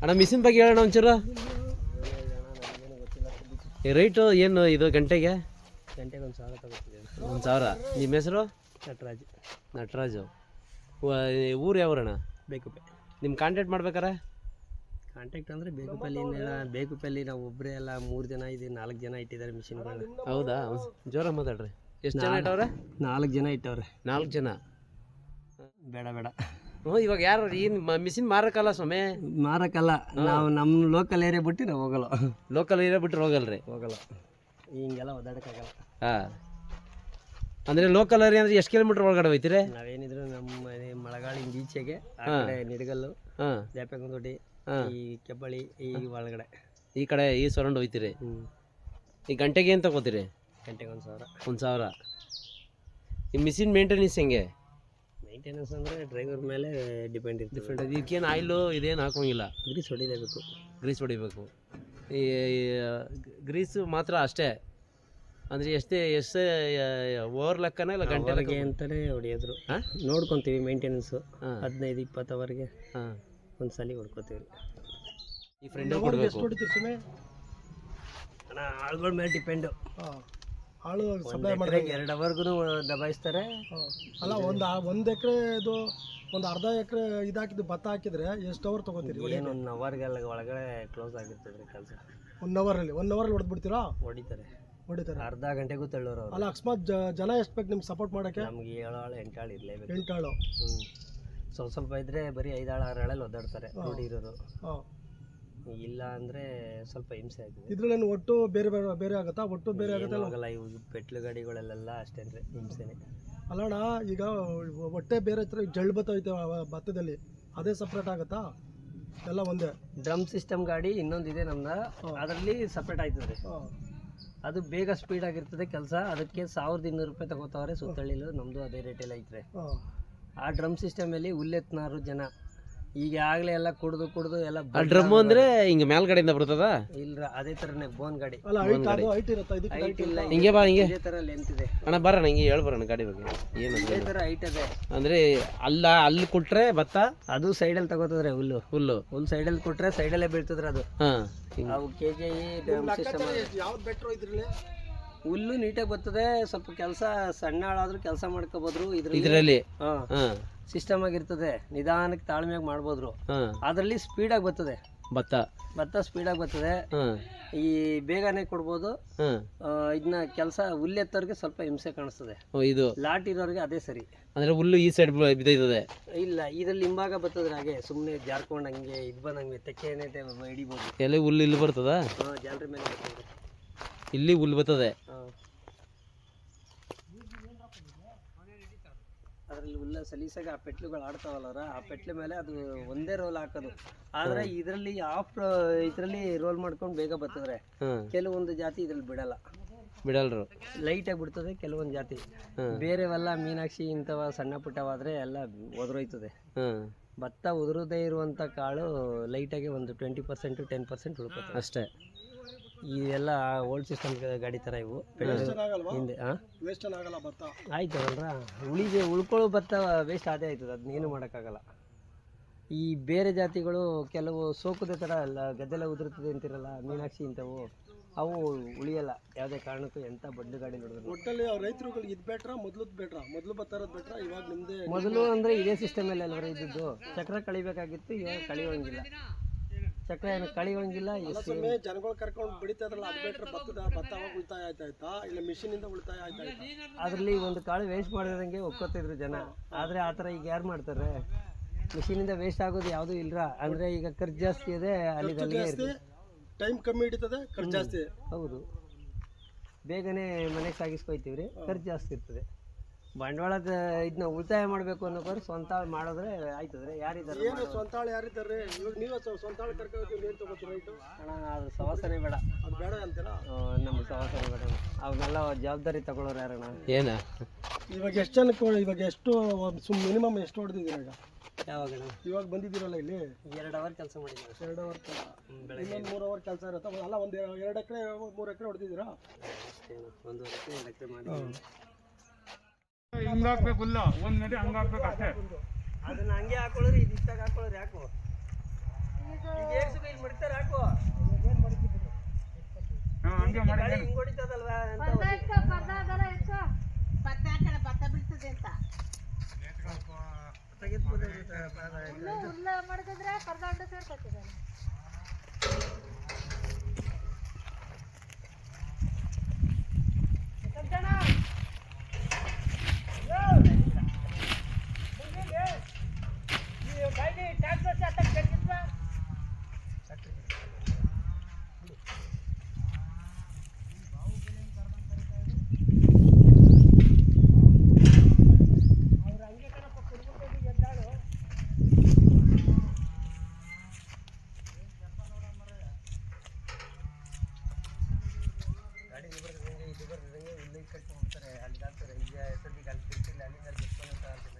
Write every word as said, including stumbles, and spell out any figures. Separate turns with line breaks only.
ಅಣ್ಣ ಮಿಷಿನ್ ಬಗ್ಗೆ ಹೇಳೋಣ ಒಂಚೂರು. ರೇಟು ಏನು ಇದು ಗಂಟೆಗೆ?
ಗಂಟೆಗೆ ಒಂದು ಸಾವಿರ ತಗೋತಿದ್ದೀವಿ.
ಒಂದು ಸಾವಿರ. ನಿಮ್ಮ ಹೆಸರು?
ನಟರಾಜ್.
ನಟರಾಜು. ಊರು ಯಾವೂರಣ್ಣ?
ಬೇಕುಪೆ.
ನಿಮ್ಮ ಕಾಂಟ್ಯಾಕ್ಟ್ ಮಾಡ್ಬೇಕಾರೆ?
ಕಾಂಟ್ಯಾಕ್ಟ್ ಅಂದರೆ ಬೇಕುಪಲ್ಲಿ ಬೇಕುಪಲ್ಲಿ ನಾವು ಒಬ್ಬರೇ ಎಲ್ಲ ಮೂರು ಜನ ಇದ್ದೀವಿ, ನಾಲ್ಕು ಜನ ಇಟ್ಟಿದ್ದಾರೆ ಮಿಷಿನ್ಗಳನ್ನ.
ಹೌದಾ? ಜೋರ ಮಾತಾಡ್ರಿ. ಎಷ್ಟು ಜನ ಇಟ್ಟವ್ರೆ?
ನಾಲ್ಕು ಜನ ಇಟ್ಟವ್ರೆ.
ನಾಲ್ಕು ಜನ?
ಬೇಡ ಬೇಡ.
ಹ್ಞೂ ಇವಾಗ ಯಾರು ಏನು ಮಿಷಿನ್ ಮಾರಕ್ಕಲ್ಲ ಸ್ವಾಮಿ?
ಮಾರಕ್ಕಲ್ಲ, ನಾವು ನಮ್ಮ ಲೋಕಲ್ ಏರಿಯಾ ಬಿಟ್ಟು ನಾವು ಹೋಗಲ್ಲ.
ಲೋಕಲ್ ಏರಿಯಾ ಬಿಟ್ಟರೆ ಹೋಗಲ್ರಿ?
ಹೋಗಲ್ಲ, ಹಿಂಗೆಲ್ಲ ಓದಾಡೋಕ್ಕಾಗಲ್ಲ.
ಹಾಂ, ಅಂದರೆ ಲೋಕಲ್ ಏರಿಯಾ ಅಂದರೆ ಎಷ್ಟು ಕಿಲೋಮೀಟ್ರ್ ಒಳಗಡೆ ಹೋಯ್ತೀರಿ?
ನಾವೇನಿದ್ರು ನಮ್ಮ ಮನೆ ಮಳಗಾಳಿಂದ ಈಚೆಗೆ ಆ ಕಡೆ ನಿಡಗಲ್ಲು,
ಹಾಂ,
ದ್ಯಾಪೆಗೊಂದೊಡ್ಡಿ, ಈ ಕೆಬ್ಬಳಿ, ಈ ಒಳಗಡೆ
ಈ ಕಡೆ ಈ ಸರೌಂಡ್ ಹೋಯ್ತೀರಿ.
ಹ್ಞೂ.
ಈ ಗಂಟೆಗೆ ಏನು ತಗೋತೀರಿ?
ಗಂಟೆಗೆ ಒಂದು ಸಾವಿರ. ಒಂದು
ಸಾವಿರ. ಈ ಮಿಷಿನ್ ಮೇಂಟೆನೆನ್ಸ್ ಹೆಂಗೆ?
ಮೇಂಟೆನೆನ್ಸ್ ಅಂದರೆ ಡ್ರೈವರ್ ಮೇಲೆ ಡಿಪೆಂಡ್ ಇರ್ತದೆ.
ಡಿಫ್ರೆಂಟ್. ಇದಕ್ಕೇನು ಆಯಿಲು ಇದೇನು ಹಾಕೋಂಗಿಲ್ಲ?
ಗ್ರೀಸ್ ಹೊಡಿಲೇಬೇಕು.
ಗ್ರೀಸ್ ಹೊಡಿಬೇಕು. ಈ ಗ್ರೀಸು ಮಾತ್ರ ಅಷ್ಟೇ ಅಂದರೆ ಎಷ್ಟೇ ಎಷ್ಟೇ ಓವರ್ ಲೆಕ್ಕನ ಇಲ್ಲ ಗಂಟೆಗೆ
ಅಂತಲೇ ಹೊಡಿಯೋದ್ರು. ಹಾಂ, ನೋಡ್ಕೊತೀವಿ ಮೇಂಟೆನೆನ್ಸು. ಹದಿನೈದು ಇಪ್ಪತ್ತು ಅವರ್ಗೆ ಹಾಂ ಒಂದು ಸಲ ಹೊಡ್ಕೊತೀವಿ.
ಈ ಫ್ರೆಂಡ್ ಕೊಡಬೇಕು.
ಅಣ್ಣ ಆಳುಗಳ ಮೇಲೆ ಡಿಪೆಂಡು.
ಆಳು ಸಪ್ಲೈ ಮಾಡಿ
ಎರಡು ಅವರ್ಗೂ ದಬಾಯಿಸ್ತಾರೆ.
ಅಲ್ಲ, ಒಂದು ಒಂದು ಎಕರೆ ಇದು ಒಂದು ಅರ್ಧ ಎಕರೆ ಇದಾಕಿದ್ದು ಭತ್ತ ಹಾಕಿದ್ರೆ ಎಷ್ಟು ಅವರ್ ತೊಗೋತೀರಿ?
ಏನು ಒಂದು ಅವರ್ಗೆಲ್ಲ ಒಳಗಡೆ ಕ್ಲೋಸ್ ಆಗಿರ್ತದೆ ಕೆಲಸ.
ಒನ್ ಅವರಲ್ಲಿ ಒನ್ ಅವರಲ್ಲಿ ಹೊಡೆದ್ಬಿಡ್ತೀರಾ?
ಹೊಡಿತಾರೆ
ಹೊಡಿತಾರೆ.
ಅರ್ಧ ಗಂಟೆಗೂ ತಳ್ಳೋರು.
ಅಲ್ಲ, ಅಕಸ್ಮಾತ್ ಜನ ಎಷ್ಟು ಬೇಕು ನಿಮ್ಗೆ ಸಪೋರ್ಟ್ ಮಾಡೋಕ್ಕೆ?
ನಮ್ಗೆ ಏಳು ಆಳು ಎಂಟು ಆಳು ಇರಲೇಬೇಕು.
ಎಂಟಾಳು?
ಹ್ಞೂ. ಸ್ವಲ್ಪ ಸ್ವಲ್ಪ ಇದ್ರೆ ಬರೀ ಐದಾಳು ಆರು ಆಳಲ್ಲಿ ಒದ್ದಾಡ್ತಾರೆ ರೂಢಿ ಇರೋರು.
ಹಾಂ,
ಇಲ್ಲ ಅಂದರೆ ಸ್ವಲ್ಪ ಹಿಂಸೆ ಆಗಿದೆ.
ಇದ್ರಲ್ಲಿ ಒಟ್ಟು ಬೇರೆ ಬೇರೆ ಬೇರೆ ಆಗುತ್ತಾ? ಒಟ್ಟು ಬೇರೆ ಆಗುತ್ತೆ
ಆಗಲ್ಲ. ಇವು ಪೆಟ್ಲು ಗಾಡಿಗಳೆಲ್ಲ ಅಷ್ಟೇ ಅಂದರೆ ಹಿಂಸೆನೇ.
ಅಲ್ಲಣ್ಣ, ಈಗ ಹೊಟ್ಟೆ ಬೇರೆ ಹತ್ರ ಜಳ್ಳು ಭತ್ತ ಐತೆ ಭತ್ತದಲ್ಲಿ, ಅದೇ ಸಪ್ರೇಟ್ ಆಗುತ್ತಾ? ಎಲ್ಲ ಒಂದೇ
ಡ್ರಮ್ ಸಿಸ್ಟಮ್ ಗಾಡಿ ಇನ್ನೊಂದಿದೆ ನಮ್ದು, ಅದರಲ್ಲಿ ಸಪ್ರೇಟ್ ಆಯ್ತದೆ. ಅದು ಬೇಗ ಸ್ಪೀಡ್ ಆಗಿರ್ತದೆ ಕೆಲಸ. ಅದಕ್ಕೆ ಸಾವಿರದ ಇನ್ನೂರು ರೂಪಾಯಿ ತಗೋತಾವ್ರೆ ಸುತ್ತಳ್ಳಿಲು. ನಮ್ಮದು ಅದೇ ರೇಟಲ್ಲಿ ಐತ್ರೆ. ಆ ಡ್ರಮ್ ಸಿಸ್ಟಮಲ್ಲಿ ಹುಲ್ಲೆತ್ನಾರು ಜನ ಈಗ ಆಗಲೇ ಎಲ್ಲ ಕುಡ್ದು ಕುಡ್ದು ಎಲ್ಲ.
ಡ್ರಮ್ ಅಂದರೆ ಹಿಂಗೆ ಮೇಲ್ಗಡೆಯಿಂದ ಬರ್ತದ?
ಇಲ್ಲ, ಅದೇ ಥರನೇ ಬೋನ್ ಗಾಡಿ.
ಹೈಟ್
ಇಲ್ಲ,
ಹಿಂಗೆ ಬಾ, ಹಿಂಗೆ
ಇದೇ ಥರ ಲೆಂತ್ ಇದೆ.
ಅಣ್ಣ ಬರೋಣ, ಹಿಂಗೆ ಹೇಳಿ ಬರೋಣ ಗಾಡಿ ಬಗ್ಗೆ. ಏನು
ಇದೇ ಥರ ಹೈಟ್ ಇದೆ.
ಅಂದರೆ ಅಲ್ಲ ಅಲ್ಲಿ ಕೊಟ್ರೆ ಭತ್ತ,
ಅದು ಸೈಡಲ್ಲಿ ತಗೋತದ್ರೆ ಹುಲ್ಲು.
ಹುಲ್ಲು
ಹುಲ್ಲು ಸೈಡಲ್ಲಿ ಕೊಟ್ರೆ ಸೈಡಲ್ಲೇ ಬೀಳ್ತದ್ರೆ ಅದು.
ಹಾಂ,
ಅವು ಕೆ ಜಿ ಡ್ರಮ್ ಸಿಸ್ಟಮ್.
ಯಾವ್ದು ಬೆಟ್ರು ಇದ್ರಲ್ಲಿ?
ಹುಲ್ಲು ನೀಟಾಗಿ ಬರ್ತದೆ. ಸ್ವಲ್ಪ ಕೆಲಸ ಸಣ್ಣ ಆಳಾದ್ರೂ ಕೆಲಸ ಮಾಡ್ಕೋಬೋದ್ರು ಇದ್ರಲ್ಲಿ.
ಇದರಲ್ಲಿ
ಹಾಂ, ಸಿಸ್ಟಮ್ ಆಗಿರ್ತದೆ. ನಿಧಾನಕ್ಕೆ ತಾಳ್ಮೆಯಾಗಿ ಮಾಡ್ಬೋದ್ರು. ಅದರಲ್ಲಿ ಸ್ಪೀಡಾಗಿ ಬರ್ತದೆ
ಭತ್ತ.
ಭತ್ತ ಸ್ಪೀಡಾಗಿ ಬರ್ತದೆ. ಈ ಬೇಗನೆ ಕೊಡ್ಬೋದು. ಇದನ್ನ ಕೆಲಸ ಹುಲ್ಲೆತ್ತವ್ರಿಗೆ ಸ್ವಲ್ಪ ಹಿಂಸೆ ಕಾಣಿಸ್ತದೆ.
ಇದು
ಲಾಟ್ ಇರೋರಿಗೆ ಅದೇ ಸರಿ.
ಅಂದ್ರೆ ಹುಲ್ಲು ಈ ಸೈಡ್ ಬಿದ್ದೈತದೆ.
ಇಲ್ಲ, ಇದ್ರಲ್ಲಿ ಹಿಂಭಾಗ ಬರ್ತದ್ರೆ ಹಾಗೆ ಸುಮ್ಮನೆ ಜಾರ್ಕೊಂಡು ಹಂಗೆ ಇದು ಬಂದಂಗೆ ತೆಕ್ಕೆನೆ ಹಿಡಿಬೋದು.
ಎಲೆ ಹುಲ್ಲು ಇಲ್ಲಿ ಬರ್ತದ?
ಹಾಂ, ಜಾಲರಿ ಮೇಲೆ ಬರ್ತದೆ.
ಇಲ್ಲಿ ಹುಲ್ಲು ಬರ್ತದೆ.
ಅದರಲ್ಲಿ ಹುಲ್ಲ ಸಲೀಸಾಗಿ ಆ ಪೆಟ್ಲುಗಳು ಆಡ್ತಾವಲ್ಲ, ಆ ಪೆಟ್ಲು ಮೇಲೆ ಅದು ಒಂದೇ ರೋಲ್ ಹಾಕೋದು. ಆದ್ರೆ ಇದರಲ್ಲಿ ಆಫ್ ಇದರಲ್ಲಿ ರೋಲ್ ಮಾಡ್ಕೊಂಡು ಬೇಗ ಬರ್ತದ್ರೆ. ಕೆಲವೊಂದು ಜಾತಿ ಇದ್ರಲ್ಲಿ ಬಿಡಲ್ಲ,
ಬಿಡಲ್ರು,
ಲೈಟಾಗಿ ಬಿಡ್ತದೆ. ಕೆಲವೊಂದು ಜಾತಿ ಬೇರೆವೆಲ್ಲ ಮೀನಾಕ್ಷಿ ಇಂಥವ ಸಣ್ಣ ಪುಟ್ಟವಾದ್ರೆ ಎಲ್ಲ ಒದರೋಯ್ತದೆ. ಭತ್ತ ಉದುರದೇ ಇರುವಂಥ ಕಾಳು ಲೈಟಾಗಿ ಒಂದು ಟ್ವೆಂಟಿ ಪರ್ಸೆಂಟ್ ಟೆನ್ ಪರ್ಸೆಂಟ್ ಉಳ್ಕೊತದೆ ಅಷ್ಟೇ. ಇವೆಲ್ಲ ಓಲ್ಡ್ ಸಿಸ್ಟಮ್ ಗಾಡಿ ಥರ ಇವು. ಹಿಂದೆ ಹಾಂ ಆಯ್ತವಲ್ರ, ಉಳಿದೆ ಉಳ್ಕೊಳ್ಳೋ ಭತ್ತ ವೇಸ್ಟ್ ಅದೇ ಆಯ್ತದೆ. ಅದನ್ನೇನು ಮಾಡೋಕ್ಕಾಗಲ್ಲ. ಈ ಬೇರೆ ಜಾತಿಗಳು ಕೆಲವು ಸೋಕುದೇ ಥರ ಅಲ್ಲ, ಗದ್ದೆಲ್ಲ ಉದುರುತ್ತದೆ ಅಂತಿರಲ್ಲ, ಮೀನಾಕ್ಷಿ ಇಂಥವು ಅವು ಉಳಿಯಲ್ಲ ಯಾವುದೇ ಕಾರಣಕ್ಕೂ. ಎಂಥ ಬಡ್ಡು ಗಾಡಿ ನೋಡಿದ್ರು
ಒಟ್ಟಲ್ಲಿ ರೈತರುಗಳು ಇದು ಬೆಟ್ರಾ ಮೊದಲು ಬೆಟ್ರಾ ಮೊದಲು ಬತ್ತಾರದು ಬೆಟ್ರಾ ಇವಾಗ ನಿಮ್ಮದೇ?
ಮೊದಲು ಅಂದರೆ ಇದೇ ಸಿಸ್ಟಮಲ್ಲಿ ಎಲ್ಲರೂ ಇದ್ದಿದ್ದು. ಚಕ್ರ ಕಳಿಬೇಕಾಗಿತ್ತು, ಇವಾಗ ಕಳಿಯೋಂಗಿಲ್ಲ. ಚಕ್ರ ಏನು ಕಳಿಯೋಂಗಿಲ್ಲ.
ಜನಗಳು ಕರ್ಕೊಂಡು ಬೆಳಿತಾ ಇದ್ರಲ್ಲ, ಅದು ಬೆಟ್ರೆ ಭತ್ತದ ಭತ್ತ ಅವಾಗ ಉಳಿತಾಯ ಆಯ್ತಾಯ್ತಾ ಇಲ್ಲ ಮಿಷಿನಿಂದ ಉಳಿತಾಯ ಆಯ್ತಾಯ್ತಾ?
ಅದರಲ್ಲಿ ಒಂದು ಕಾಳು ವೇಸ್ಟ್ ಮಾಡಿದಂಗೆ ಒಪ್ಕೋತಿದ್ರು ಜನ. ಆದರೆ ಆ ಥರ ಈಗ ಯಾರು ಮಾಡ್ತಾರೆ? ಮಿಷಿನಿಂದ ವೇಸ್ಟ್ ಆಗೋದು ಯಾವುದೂ ಇಲ್ಲ. ಅಂದರೆ ಈಗ ಖರ್ಚು ಜಾಸ್ತಿ ಇದೆ, ಅಲ್ಲಿ
ಟೈಮ್ ಕಮ್ಮಿ ಹಿಡಿತದೆ, ಖರ್ಚು ಜಾಸ್ತಿ.
ಹೌದು, ಬೇಗನೆ ಮನೆಗೆ ಸಾಗಿಸ್ಕೊಯ್ತೀವಿ ರೀ, ಖರ್ಚು ಜಾಸ್ತಿ ಇರ್ತದೆ. ಬಂಡವಾಳದ ಇದನ್ನ ಉಳಿತಾಯ ಮಾಡಬೇಕು ಅನ್ನೋಕ್ಕೋರು ಸ್ವಂತ ಮಾಡಿದ್ರೆ ಆಯ್ತದ್ರೆ. ಯಾರಿದ್ದಾರೆ
ಏನು ಸ್ವಂತ ಆಳು ಯಾರಿದ್ದಾರೆ? ಇವಾಗ ನೀವು ಸ್ವಂತ ಆಳು ಕರ್ಕೊಂಡು ಏನು ತೊಗೋತೀರ ರೈತು?
ಅಣ್ಣ, ಅದು ಸವಾಸನೆ ಬೇಡ.
ಅದು ಬೇಡ ಅಂತೀರಾ?
ನಮ್ಗೆ ಸವಾಸನೆ ಬೇಡ. ಅವನ್ನೆಲ್ಲ ಜವಾಬ್ದಾರಿ ತಗೊಳ್ಳೋರು ಯಾರಣ್ಣ?
ಏನ
ಇವಾಗ ಎಷ್ಟು ಜನಕ್ಕೆ ಇವಾಗ ಎಷ್ಟು ಸುಮ್ ಮಿನಿಮಮ್ ಎಷ್ಟು ಹೊಡೆದಿದ್ದೀರ ಈಗ?
ಯಾವಾಗ
ಇವಾಗ ಬಂದಿದ್ದೀರಲ್ಲ ಇಲ್ಲಿ?
ಎರಡು ಅವರ್ ಕೆಲಸ ಮಾಡಿದ್ದೀವಿ.
ಎರಡು ಅವರ್ ಬೆಳಗ್ಗೆ ಮೂರು ಅವರ್ ಕೆಲಸ ಇರುತ್ತೆ ಅಲ್ಲ? ಒಂದು ಎರಡು ಎಕರೆ ಮೂರು ಎಕರೆ ಹೊಡೆದಿದ್ದೀರಾ?
ಒಂದೂವರೆ ಎಕರೆ ಎರಡು ಎಕರೆ ಮಾಡಿ
ಹಿಂಗಾಕ್ಬೇಕಲ್ಲ, ಒಂದು ನಡಿ ಹಂಗಾಕ್ಬೇಕು ಅಷ್ಟೇ.
ಅದನ್ನ ಹಂಗೆ ಹಾಕೊಳ್ಳೋರು, ಇದು ಇಷ್ಟಾಗ ಹಾಕೊಳ್ಳೋರು ಯಾಕೋ? ಈಗ ಗಾಡಿ ಇದು ಬರ್ದಂಗೆ ಇದು ಬರ್ದಂಗೆ ಇಲ್ಲಿ ಕಟ್ಟಿ ಹೋಗ್ತಾರೆ ಅಲ್ಲಿ ಹಾಕ್ತಾರೆ ಈಗ ಸದ್ಯಕ್ಕೆ ಅಲ್ಲಿ ತಿರ್ತಿಲ್ಲ ಅಲ್ಲಿಂದ ಅಲ್ಲಿ